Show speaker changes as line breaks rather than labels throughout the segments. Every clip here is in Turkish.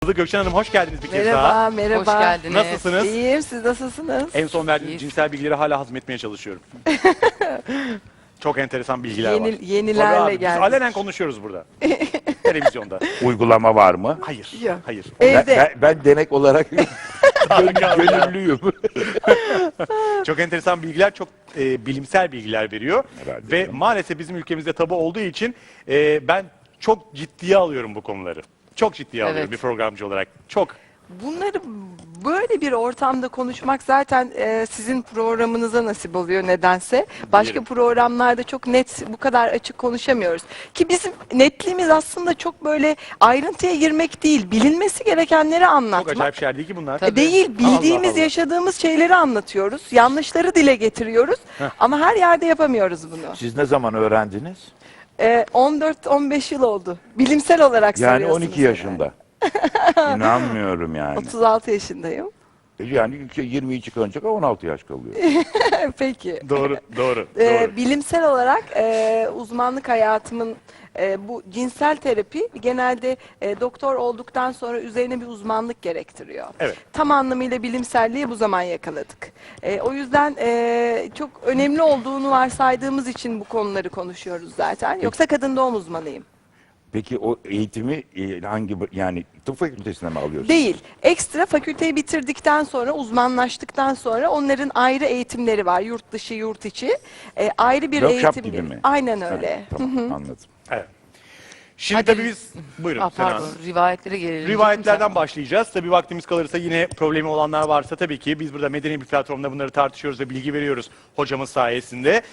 Gökçen Hanım hoş geldiniz bir kez
Merhaba,
daha.
merhaba.
Hoş geldiniz.
Nasılsınız?
İyiyim, siz nasılsınız?
En son verdiğiniz cinsel bilgileri hala hazmetmeye çalışıyorum. Çok enteresan bilgiler var.
Yenilerle
Tabii abi, biz
geldik.
alenen konuşuyoruz burada. Televizyonda.
Uygulama var mı?
Hayır,
Yok.
hayır.
Evde.
Ben denek olarak gönüllüyüm.
Çok enteresan bilgiler, çok bilimsel bilgiler veriyor.
Herhalde
Ve
canım.
maalesef bizim ülkemizde tabu olduğu için ben çok ciddiye alıyorum bu konuları. Çok ciddiye alıyorum
Evet.
bir programcı olarak. Çok.
Bunları böyle bir ortamda konuşmak zaten sizin programınıza nasip oluyor nedense. Başka
Diyelim.
programlarda çok net, bu kadar açık konuşamıyoruz. Ki bizim netliğimiz aslında çok böyle ayrıntıya girmek değil, bilinmesi gerekenleri
Çok
anlatmak.
acayip şeyler değil ki bunlar.
Tabii.
Değil, bildiğimiz,
Allah Allah.
yaşadığımız şeyleri anlatıyoruz. Yanlışları dile getiriyoruz. Ama her yerde yapamıyoruz bunu.
Siz ne zaman öğrendiniz?
14-15 yıl oldu. Bilimsel olarak
Yani
soruyorsunuz
12
herhalde.
yaşında. İnanmıyorum yani.
36 yaşındayım.
Yani 20'yi çıkarınca 16 yaş kalıyor.
Peki.
Doğru, doğru, doğru.
Bilimsel olarak uzmanlık hayatımın bu cinsel terapi genelde doktor olduktan sonra üzerine bir uzmanlık gerektiriyor.
Evet.
Tam anlamıyla bilimselliği bu zaman yakaladık. O yüzden çok önemli olduğunu varsaydığımız için bu konuları konuşuyoruz zaten. Yoksa kadın doğum uzmanıyım.
Peki o eğitimi hangi yani tıp fakültesine mi alıyorsunuz?
Değil. Ekstra fakülteyi bitirdikten sonra, uzmanlaştıktan sonra onların ayrı eğitimleri var. Yurt dışı, yurt içi. Ayrı bir
Workshop
eğitim.
gibi mi?
Aynen
Ha,
öyle.
tamam anladım.
Evet. Şimdi
Hadi.
tabii biz... Buyurun Sena
Pardon,
Hanım.
rivayetlere gelelim.
Rivayetlerden başlayacağız. Tabii vaktimiz kalırsa yine problemi olanlar varsa tabii ki biz burada medeni bir platformda bunları tartışıyoruz ve bilgi veriyoruz hocamız sayesinde.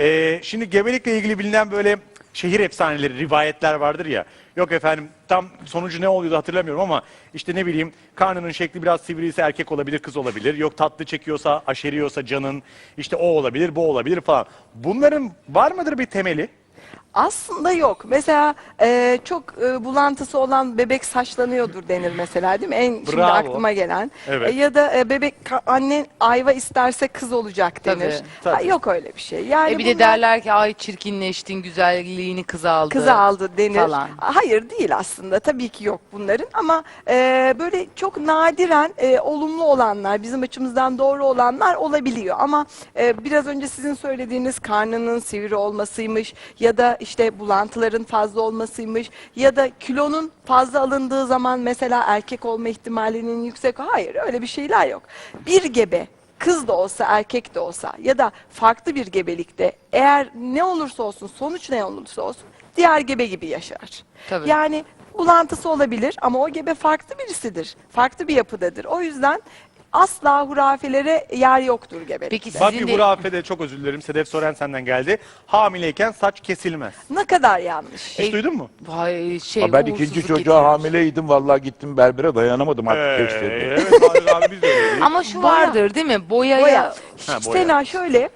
Şimdi gebelikle ilgili bilinen böyle şehir efsaneleri, rivayetler vardır ya. Yok efendim tam sonucu ne oluyordu hatırlamıyorum ama işte ne bileyim karnının şekli biraz sivriyse erkek olabilir, kız olabilir. Yok tatlı çekiyorsa, aşeriyorsa canın işte o olabilir, bu olabilir falan. Bunların var mıdır bir temeli?
Aslında yok. Mesela çok bulantısı olan bebek saçlanıyordur denir mesela değil mi? En şimdi
Bravo.
aklıma gelen.
Evet.
Ya da bebek anne ayva isterse kız olacak denir.
Tabii,
tabii.
Ha, yok öyle bir şey. Yani
Bir de
bunlar
derler ki ay çirkinleştin, güzelliğini kız aldı.
kızı aldı denir.
Falan.
Hayır değil aslında. Tabii ki yok bunların ama böyle çok nadiren olumlu olanlar, bizim açımızdan doğru olanlar olabiliyor. Ama biraz önce sizin söylediğiniz karnının sivri olmasıymış ya da işte bulantıların fazla olmasıymış ya da kilonun fazla alındığı zaman mesela erkek olma ihtimalinin yüksek. Hayır öyle bir şeyler yok. Bir gebe kız da olsa erkek de olsa ya da farklı bir gebelikte eğer ne olursa olsun sonuç ne olursa olsun diğer gebe gibi yaşar.
Tabii.
Yani bulantısı olabilir ama o gebe farklı birisidir. Farklı bir yapıdadır. O yüzden asla hurafelere yer yoktur gebelik.
Peki
Bak
sizin
bir
de
hurafede çok özür dilerim. Sedef Soren senden geldi. Hamileyken saç kesilmez.
Ne kadar yanlış.
Hiç duydun mu?
vay,
Ben ikinci
uğursuzluk
çocuğa
getiriyor.
hamileydim. Vallahi gittim berbere dayanamadım artık geç dedi.
Evet abi biz de öyleyiz.
Ama şu
Boya.
vardır değil mi? Boyaya.
Boya.
Ha, boya.
Sena şöyle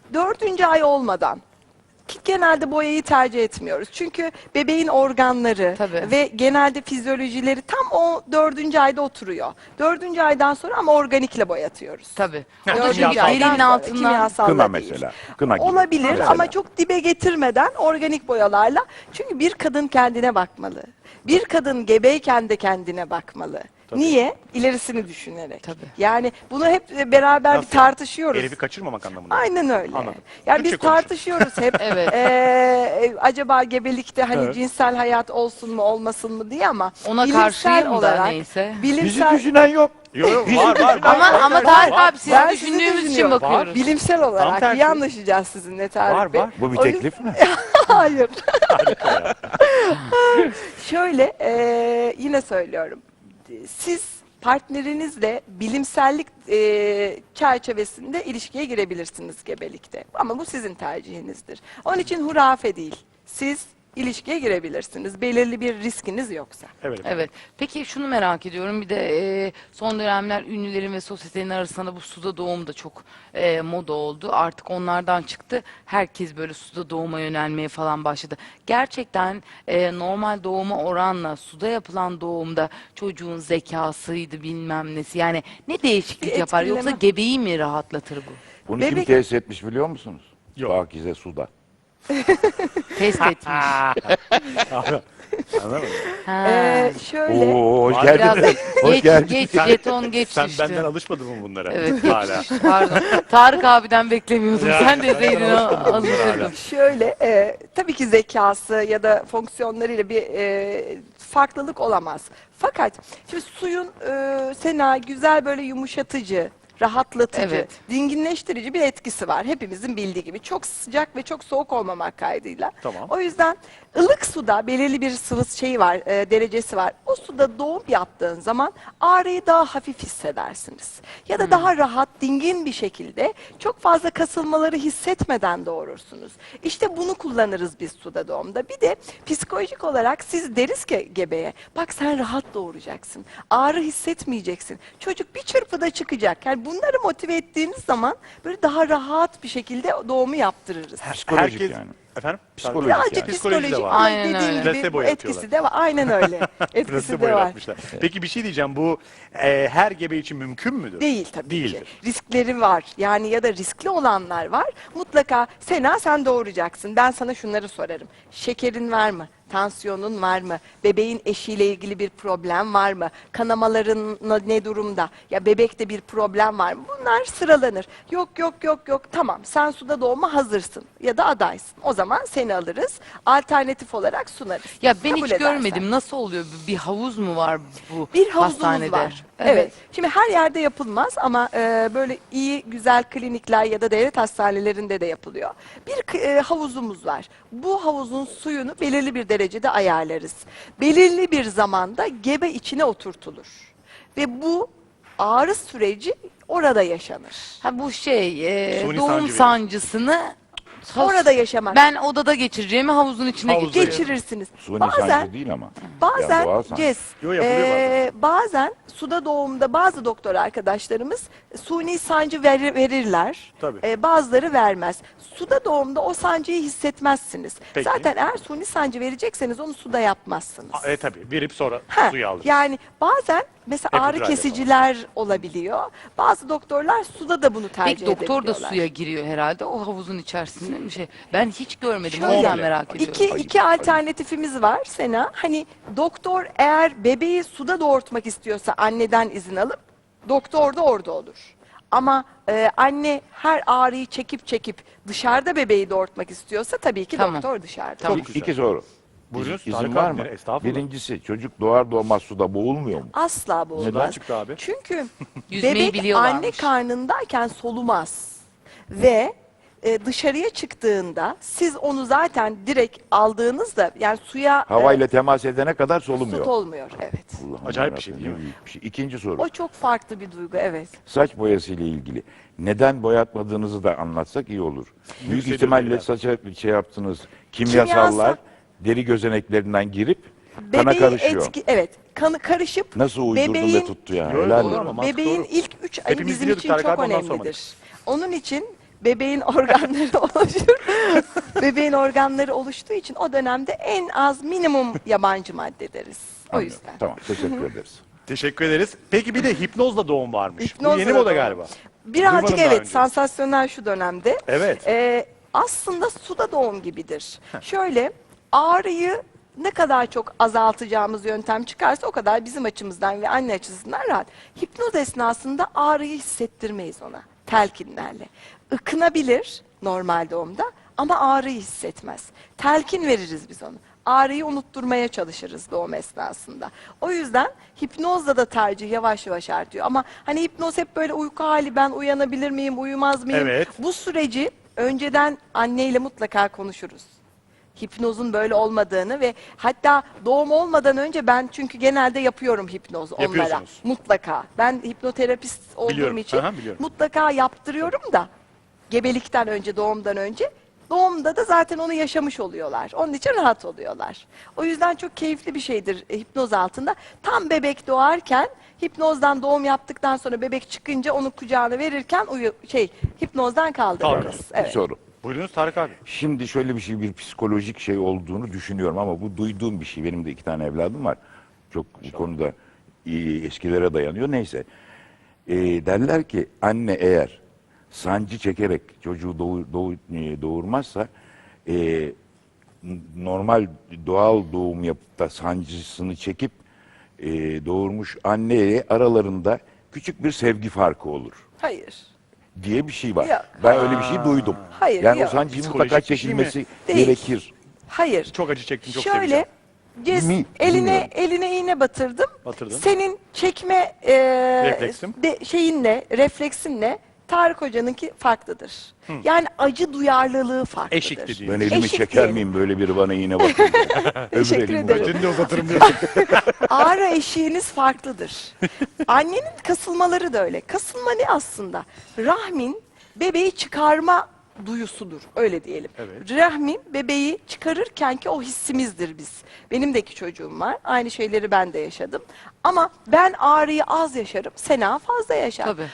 4. ay olmadan ki genelde boyayı tercih etmiyoruz. Çünkü bebeğin organları
Tabii.
ve genelde fizyolojileri tam o 4. ayda oturuyor. 4. aydan sonra ama organikle boyatıyoruz.
Tabii.
Ha,
O da
kimyasal.
çünkü elinin
Kimyasal
altından.
kimyasal
Kına
da değil.
mesela. Kına gibi.
Olabilir
Mesela.
ama çok dibe getirmeden organik boyalarla. Çünkü bir kadın kendine bakmalı. Bir kadın gebeyken de kendine bakmalı.
Tabii.
Niye? İlerisini düşünerek.
Tabii.
Yani bunu hep beraber
Nasıl
bir tartışıyoruz.
Herifi kaçırmamak anlamında.
Aynen öyle.
Anladım.
Yani
Türkçe
biz
konuşun.
tartışıyoruz hep.
Evet.
Acaba gebelikte hani
Evet.
cinsel hayat olsun mu olmasın mı diye ama
Ona
bilimsel
karşıyım da
olarak
neyse.
Bizi
bilimsel
düşünen yok.
Yok yok var var.
Ama Tarık abi sizi
Ben sizi
düşündüğümüz için
düşünüyorum.
bakıyoruz.
bilimsel olarak
tersi.
iyi anlaşacağız sizinle Tarık
Var,
Bey.
var.
Bu bir
O yüzden-
teklif mi?
Hayır. Şöyle yine söylüyorum. Siz partnerinizle bilimsellik çerçevesinde ilişkiye girebilirsiniz gebelikte. Ama bu sizin tercihinizdir. Onun için hurafe değil. Siz ilişkiye girebilirsiniz. Belirli bir riskiniz yoksa.
Evet.
Evet. Peki şunu merak ediyorum. Bir de son dönemler ünlülerin ve sosyetenin arasında bu suda doğum da çok moda oldu. Artık onlardan çıktı. Herkes böyle suda doğuma yönelmeye falan başladı. Gerçekten normal doğuma oranla suda yapılan doğumda çocuğun zekasıydı bilmem nesi. Yani ne değişiklik
Bir
yapar?
etkileme.
Yoksa gebeyi mi rahatlatır bu?
Bunu kim
Bebek-
tesis etmiş biliyor musunuz?
Yok.
Pakize Suda.
Test etmiş.
Anladın mı?
Ha.
Şöyle
Oo, hoş
Var
Biraz
geldin. Hoş
geç,
geldin.
geç, jeton geç
Sen
düştü.
benden alışmadın mı bunlara?
Evet, geç
Hala.
düştü. Pardon. Tarık abiden beklemiyordum.
Ya,
Sen
benden
deseydin
alışmadın bunlara
alışırdım.
hala.
Şöyle, tabii ki zekası ya da fonksiyonlarıyla bir farklılık olamaz. Fakat şimdi suyun Sena güzel böyle yumuşatıcı, rahatlatıcı,
Evet.
dinginleştirici bir etkisi var. Hepimizin bildiği gibi. Çok sıcak ve çok soğuk olmamak kaydıyla.
Tamam.
O yüzden ılık suda belirli bir sıvı şeyi var, derecesi var. O suda doğum yaptığın zaman ağrıyı daha hafif hissedersiniz. Ya da daha rahat, dingin bir şekilde çok fazla kasılmaları hissetmeden doğurursunuz. İşte bunu kullanırız biz suda doğumda. Bir de psikolojik olarak siz deriz ki gebeye, bak sen rahat doğuracaksın, ağrı hissetmeyeceksin. Çocuk bir çırpıda çıkacak. Yani bunları motive ettiğiniz zaman böyle daha rahat bir şekilde doğumu yaptırırız.
Psikolojik
Herkes,
yani.
Efendim?
Psikolojik
Birazcık
yani.
Psikoloji de
psikolojik
var.
ama
Aynen
dediğim
öyle.
gibi
Placebo
bu etkisi
yapıyorlar.
de var. Aynen öyle. Etkisi
Placebo
de var.
yaratmışlar. Peki bir şey diyeceğim. Bu her gebe için mümkün müdür?
Değil tabii
Değildir.
ki. Riskleri var. Yani ya da riskli olanlar var. Mutlaka Sena sen doğuracaksın. Ben sana şunları sorarım. Şekerin var mı? Tansiyonun var mı? Bebeğin eşiyle ilgili bir problem var mı? Kanamaların ne durumda? Ya bebekte bir problem var mı? Bunlar sıralanır. Yok. Tamam sen suda doğuma hazırsın ya da adaysın. O zaman seni alırız. Alternatif olarak sunarız.
Ya ben
Kabul
hiç
edersen.
görmedim. Nasıl oluyor? Bir havuz mu var bu
Bir havuzumuz
hastanede?
var. Evet. Şimdi her yerde yapılmaz ama böyle iyi, güzel klinikler ya da devlet hastanelerinde de yapılıyor. Bir havuzumuz var. Bu havuzun suyunu belirli bir derecede ayarlarız. Belirli bir zamanda gebe içine oturtulur. Ve bu ağrı süreci orada yaşanır.
Ha bu şey
Suni
doğum
sancı verir.
sancısını
Orada yaşamak.
ben odada geçireceğimi havuzun içine
Havuzda
geçireceğim.
geçirirsiniz.
Suni
Bazen
sancı değil ama.
Bazen
Yani doğal sancı.
Ces,
Yo, yapılıyor
bazen suda doğumda bazı doktor arkadaşlarımız suni sancı verirler.
Tabii.
Bazıları vermez. Suda doğumda o sancıyı hissetmezsiniz.
Peki.
Zaten eğer suni sancı verecekseniz onu suda yapmazsınız.
Tabii. Verip sonra
Ha,
suyu alırız.
yani bazen mesela ağrı
Epiduralle
kesiciler olabiliyor. Bazı doktorlar suda da bunu tercih
Peki doktor da
edebiliyorlar.
suya giriyor herhalde o havuzun içerisinde bir şey. Ben hiç görmedim. O
Şöyle,
yüzden merak ediyorum.
iki alternatifimiz var Sena. Hani doktor eğer bebeği suda doğurtmak istiyorsa anneden izin alıp doktor da orada olur. Ama anne her ağrıyı çekip dışarıda bebeği doğurtmak istiyorsa tabii ki
Tamam.
doktor dışarıda.
Tamam.
Çok güzel.
İki soru.
Buyurunuz,
İzin
Tarık
var
abi,
mı?
estağfurullah.
Birincisi çocuk doğar doğmaz suda boğulmuyor mu?
Asla bu
Neden
olmaz.
çıktı abi?
Çünkü
Yüzmeyi
bebek
biliyorlarmış.
anne karnındayken solumaz. Ve dışarıya çıktığında siz onu zaten direkt aldığınızda yani suya
Havayla temas edene kadar
su
solumuyor.
olmuyor. Evet.
Allah'ım
Acayip bir şey
yarabbim,
değil mi?
ne büyük bir şey. İkinci soru.
O çok farklı bir duygu, evet.
Saç boyası ile ilgili. Neden boyatmadığınızı da anlatsak iyi olur. Büyük
Yükseliyor
ihtimalle
deriler.
saça şey yaptınız. Kimyasallar
Kimyasal-
deri gözeneklerinden girip kana
Bebeği
karışıyor.
evet, kanı karışıp
Nasıl uydurdun
bebeğin-
ve tuttu ya?
Yo,
Helal
doğru
olsun.
ama mantık
bebeğin
doğru.
ilk 3 ayı
Hepimiz
bizim
biliyorduk,
için
Tarık
çok
abi, ondan
önemlidir.
sormadık.
Onun için bebeğin organları oluşur. Bebeğin organları oluştuğu için o dönemde en az minimum yabancı madde deriz. O
Anlıyorum.
yüzden.
Tamam, teşekkür ederiz.
Teşekkür ederiz. Peki bir de hipnozla doğum varmış.
Hipnozla
Bu yeni
da
moda
doğum.
galiba.
Birazcık
Duymadım daha
evet,
önce.
sansasyonel şu dönemde.
Evet.
Aslında suda doğum gibidir. Şöyle ağrıyı ne kadar çok azaltacağımız yöntem çıkarsa o kadar bizim açımızdan ve anne açısından rahat. Hipnoz esnasında ağrıyı hissettirmeyiz ona telkinlerle. Ikınabilir normal doğumda ama ağrıyı hissetmez. Telkin veririz biz onu. Ağrıyı unutturmaya çalışırız doğum esnasında. O yüzden hipnozla da tercih yavaş yavaş artıyor. Ama hani hipnoz hep böyle uyku hali, ben uyanabilir miyim, uyumaz mıyım?
Evet.
Bu süreci önceden anneyle mutlaka konuşuruz. Hipnozun böyle olmadığını ve hatta doğum olmadan önce ben çünkü genelde yapıyorum hipnoz onlara.
Yapıyorsunuz.
Mutlaka. Ben hipnoterapist olduğum
Biliyorum.
için
Aha, biliyorum.
mutlaka yaptırıyorum da gebelikten önce, doğumdan önce. Doğumda da zaten onu yaşamış oluyorlar. Onun için rahat oluyorlar. O yüzden çok keyifli bir şeydir hipnoz altında. Tam bebek doğarken hipnozdan doğum yaptıktan sonra bebek çıkınca onu kucağına verirken hipnozdan kaldırırız.
Kaldırırız.
Bir
Evet.
soru.
Buyurunuz Tarık abi.
Şimdi şöyle bir şey, bir psikolojik şey olduğunu düşünüyorum ama bu duyduğum bir şey. Benim de 2 tane evladım var. Çok bu konuda iyi, eskilere dayanıyor. Neyse. Derler ki anne eğer sancı çekerek çocuğu doğurmazsa normal doğal doğum yapıp da sancısını çekip doğurmuş anneyle aralarında küçük bir sevgi farkı olur
Hayır.
diye bir şey var.
Yok.
Ben öyle bir şey duydum.
Hayır,
Yani
yok.
o sancının
Psikolojik
mutlaka
bir şey mi?
çekilmesi
Değil.
gerekir.
Hayır.
Çok acı çektim, çok
Şöyle
seveceğim.
Mi?
eline
Bilmiyorum.
iğne batırdım.
Batırdın.
Senin çekme
Refleksim.
şeyinle, refleksinle Tarık Hoca'nınki farklıdır. Yani acı duyarlılığı farklıdır.
Eşik dediğin.
Ben elimi
Eşik
çeker
diyelim.
miyim böyle biri bana iğne batırınca?
Teşekkür ederim.
Ötünü de uzatırım diyorsun.
Ağrı eşiğiniz farklıdır. Annenin kasılmaları da öyle. Kasılma ne aslında? Rahmin bebeği çıkarma duyusudur. Öyle diyelim.
Evet.
Rahmin bebeği çıkarırken ki o hissimizdir biz. Benim de iki çocuğum var. Aynı şeyleri ben de yaşadım. Ama ben ağrıyı az yaşarım. Sena fazla yaşar.
Tabii.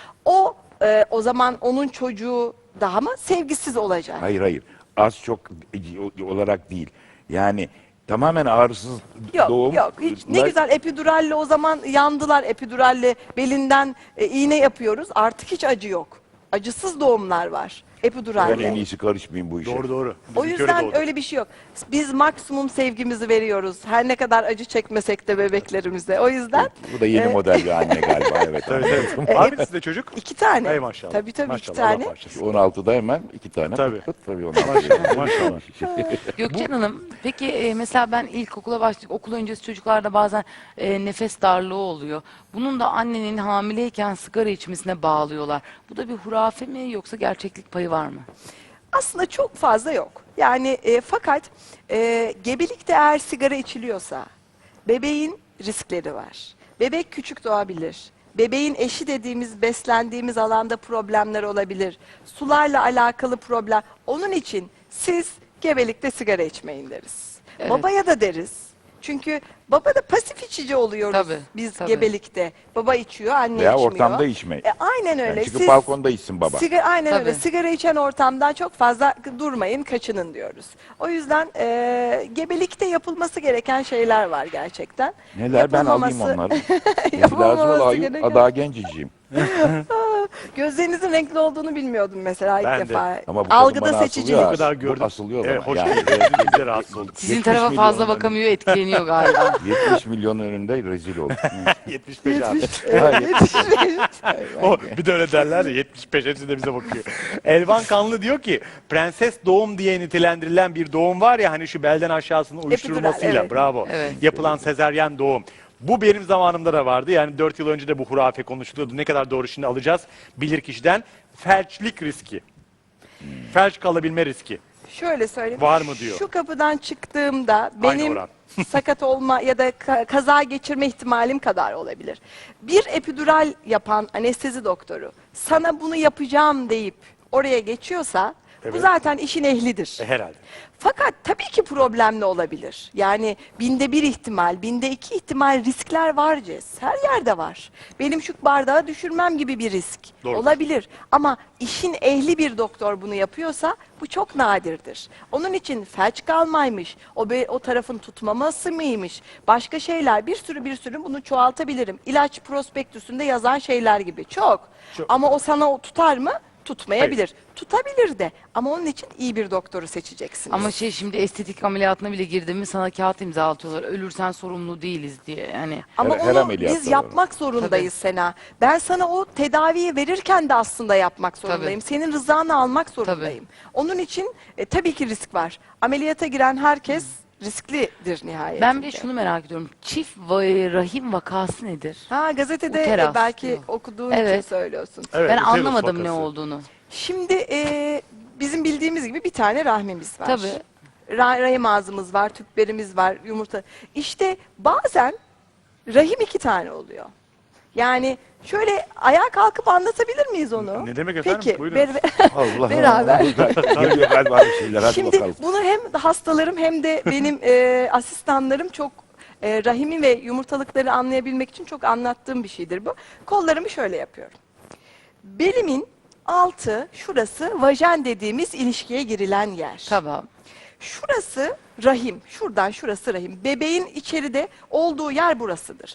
O zaman onun çocuğu daha mı sevgisiz olacak?
Hayır hayır. Az çok olarak değil. Yani tamamen ağrısız
Yok
doğum.
yok hiç ne güzel epiduralle o zaman yandılar epiduralle belinden iğne yapıyoruz artık hiç acı yok. Acısız doğumlar var
Ben en
epiduralle.
iyisi karışmayayım bu işe.
Doğru doğru.
O
Bizimki
yüzden
doğdu.
öyle bir şey yok. Biz maksimum sevgimizi veriyoruz. Her ne kadar acı çekmesek de bebeklerimize. O yüzden
Bu da yeni model bir anne galiba. Evet.
Evet, evet. Var mı sizde çocuk?
2 tane.
Hay maşallah.
Tabii tabii
Maşallah,
2
Allah
tane.
bağışlasın.
16'da hemen 2 tane.
Tabii.
Tabii 16.
Maşallah, maşallah.
Gökçen Hanım, peki mesela ben ilkokula başladık, okul öncesi çocuklarda bazen nefes darlığı oluyor. Bunun da annenin hamileyken sigara içmesine bağlıyorlar. Bu da bir hurafe mi yoksa gerçeklik payı var mı?
Aslında çok fazla yok. Yani fakat gebelikte eğer sigara içiliyorsa bebeğin riskleri var. Bebek küçük doğabilir. Bebeğin eşi dediğimiz beslendiğimiz alanda problemler olabilir. Sularla alakalı problem. Onun için siz gebelikte sigara içmeyin deriz.
Evet.
Babaya da deriz. Çünkü baba da pasif içici oluyoruz
Tabii,
biz
tabii.
gebelikte. Baba içiyor, anne
Veya
içmiyor.
ortamda içmeyin.
Aynen öyle.
Yani çıkıp balkonda içsin baba.
Aynen öyle.
Tabii.
Sigara içen ortamdan çok fazla durmayın, kaçının diyoruz. O yüzden gebelikte yapılması gereken şeyler var gerçekten.
Neler ben alayım
Yapılmaması-
onları. Lazım
Yapılmaması
olayım.
gereken-
Daha genciciyim.
Gözlerinizin renkli olduğunu bilmiyordum mesela
Ben
ilk
de.
defa.
Ama bu kadın
Algıda
bana
seçicilik.
asılıyor.
O kadar
Bu
gördüm.
asılıyor
Evet,
bana.
hoş
Yani.
geldiniz. Biz de rahatsız olduk.
Sizin
70
tarafa
milyon
fazla
hani.
bakamıyor, etkileniyor galiba.
70 milyon önünde rezil oldum.
75 abi.
Hayır.
O, bir de öyle derler ya 75 hepsi de bize bakıyor. Elvan Kanlı diyor ki prenses doğum diye nitelendirilen bir doğum var ya hani şu belden aşağısının uyuşturulmasıyla
evet.
bravo
Evet.
yapılan sezaryen doğum. Bu benim zamanımda da vardı. Yani 4 yıl önce de bu hurafe konuşuluyordu. Ne kadar doğru şimdi alacağız bilirkişiden. Felçlik riski. Felç kalabilme riski.
Şöyle söyleyeyim.
Var mı diyor.
Şu kapıdan çıktığımda
Aynı
benim
oran.
sakat olma ya da kaza geçirme ihtimalim kadar olabilir. Bir epidural yapan anestezi doktoru sana bunu yapacağım deyip oraya geçiyorsa bu
Evet.
zaten işin ehlidir.
Herhalde.
Fakat tabii ki problemli olabilir. Yani 1/1000 ihtimal, 2/1000 ihtimal riskler var Cez. Her yerde var. Benim şu bardağı düşürmem gibi bir risk
Doğru.
olabilir. Ama işin ehli bir doktor bunu yapıyorsa bu çok nadirdir. Onun için felç kalmaymış, o tarafın tutmaması mıymış, başka şeyler bir sürü bunu çoğaltabilirim. İlaç prospektüsünde yazan şeyler gibi çok.
Çok.
Ama o sana tutar mı? Tutmayabilir. Tutabilir de ama onun için iyi bir doktoru seçeceksiniz.
Ama şimdi estetik ameliyatına bile girdin mi sana kağıt imzalatıyorlar. Ölürsen sorumlu değiliz diye. Yani
Ama
Her
onu
ameliyatta
biz
var.
yapmak zorundayız Sena. Ben sana o tedaviyi verirken de aslında yapmak zorundayım. Senin rızanı almak zorundayım. Onun için tabii ki risk var. Ameliyata giren herkes risklidir nihayetinde.
ben bir de şunu merak ediyorum. Çift rahim vakası nedir?
Ha gazetede
Uterus
belki
diyor.
okuduğun için
Evet.
söylüyorsun.
Evet,
Ben
uterus
anlamadım ne
vakası.
olduğunu.
Şimdi bizim bildiğimiz gibi bir tane rahmimiz var.
Tabii.
Rahim ağzımız var, tüplerimiz var, yumurta. İşte bazen rahim 2 tane oluyor. Yani şöyle ayağa kalkıp anlatabilir miyiz onu?
Ne demek efendim?
Peki,
Buyurun.
Allah
Beraber.
Geliyor galiba bir şeyler. Hadi
Şimdi
bakalım.
bunu hem hastalarım hem de benim asistanlarım çok rahimi ve yumurtalıkları anlayabilmek için çok anlattığım bir şeydir bu. Kollarımı şöyle yapıyorum. Belimin altı, şurası vajen dediğimiz ilişkiye girilen yer.
Tamam.
Şurası rahim, şuradan şurası rahim. Bebeğin içeride olduğu yer burasıdır.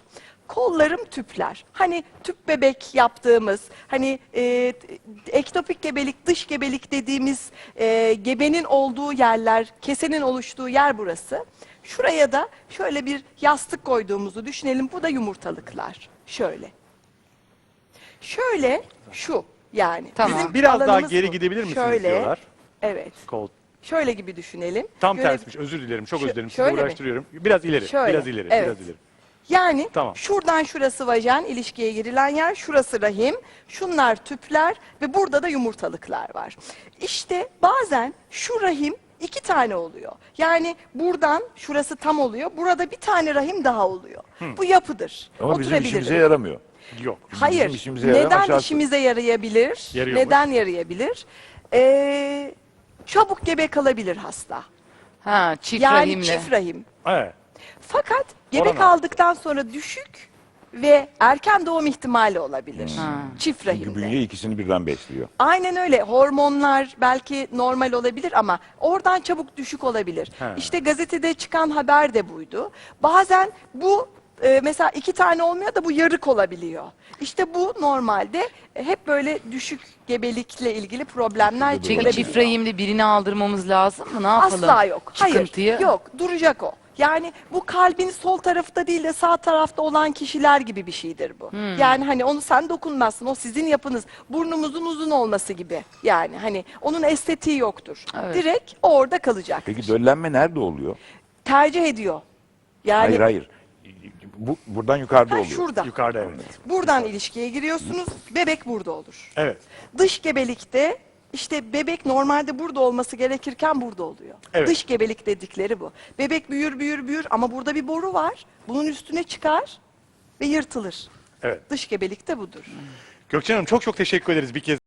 kollarım tüpler. Hani tüp bebek yaptığımız, hani ektopik gebelik, dış gebelik dediğimiz gebenin olduğu yerler, kesenin oluştuğu yer burası. Şuraya da şöyle bir yastık koyduğumuzu düşünelim. Bu da yumurtalıklar. Şöyle. Şöyle şu yani.
Tamam.
Bizim
Biraz daha
alanımız
geri
bu.
gidebilir misiniz
Şöyle.
diyorlar.
Evet.
Kol.
Şöyle gibi düşünelim.
Tam
Göre-
tersmiş. Özür dilerim. Çok özür dilerim. Sizi
şöyle mi?
uğraştırıyorum. Biraz ileri.
Şöyle,
Biraz ileri.
evet.
Biraz ileri.
Yani
Tamam.
şuradan şurası vajen, ilişkiye girilen yer, şurası rahim, şunlar tüpler ve burada da yumurtalıklar var. İşte bazen şu rahim 2 tane oluyor. Yani buradan şurası tam oluyor, burada bir tane rahim daha oluyor. Bu yapıdır.
Ama bizim
Oturabilir.
işimize yaramıyor.
Yok.
Hayır.
Bizim işimize yarayan
Neden
aşağısı.
işimize yarayabilir?
Yarıyormuş.
Neden yarayabilir? Çabuk gebe kalabilir hasta.
Ha, çift
Yani
rahimle.
çift rahim.
Evet.
Fakat gebe
Oran
kaldıktan sonra düşük ve erken doğum ihtimali olabilir.
Ha.
Çift
Çünkü
rahimde.
bünye ikisini birden besliyor.
Aynen öyle. Hormonlar belki normal olabilir ama oradan çabuk düşük olabilir.
He.
İşte gazetede çıkan haber de buydu. Bazen bu mesela 2 tane olmuyor da bu yarık olabiliyor. İşte bu normalde hep böyle düşük gebelikle ilgili problemler
Peki
çıkarabiliyor.
çift rahimde birini aldırmamız lazım mı? Ne yapalım?
Asla yok.
Çıkıntıyı.
Hayır. Yok. Duracak o. Yani bu kalbin sol tarafta değil de sağ tarafta olan kişiler gibi bir şeydir bu. Yani hani onu sen dokunmazsın. O sizin yapınız. Burnumuzun uzun olması gibi. Yani hani onun estetiği yoktur.
Evet.
Direkt orada kalacak.
Peki döllenme nerede oluyor?
Tercih ediyor. Yani
Hayır. Buradan yukarıda
ha,
oluyor.
şurada.
Yukarıda evet.
Buradan ilişkiye giriyorsunuz. Bebek burada olur.
Evet.
Dış gebelikte işte bebek normalde burada olması gerekirken burada oluyor.
Evet.
Dış gebelik dedikleri bu. Bebek büyür büyür büyür ama burada bir boru var. Bunun üstüne çıkar ve yırtılır.
Evet.
Dış gebelik de budur.
Gökçen Hanım çok çok teşekkür ederiz bir kez.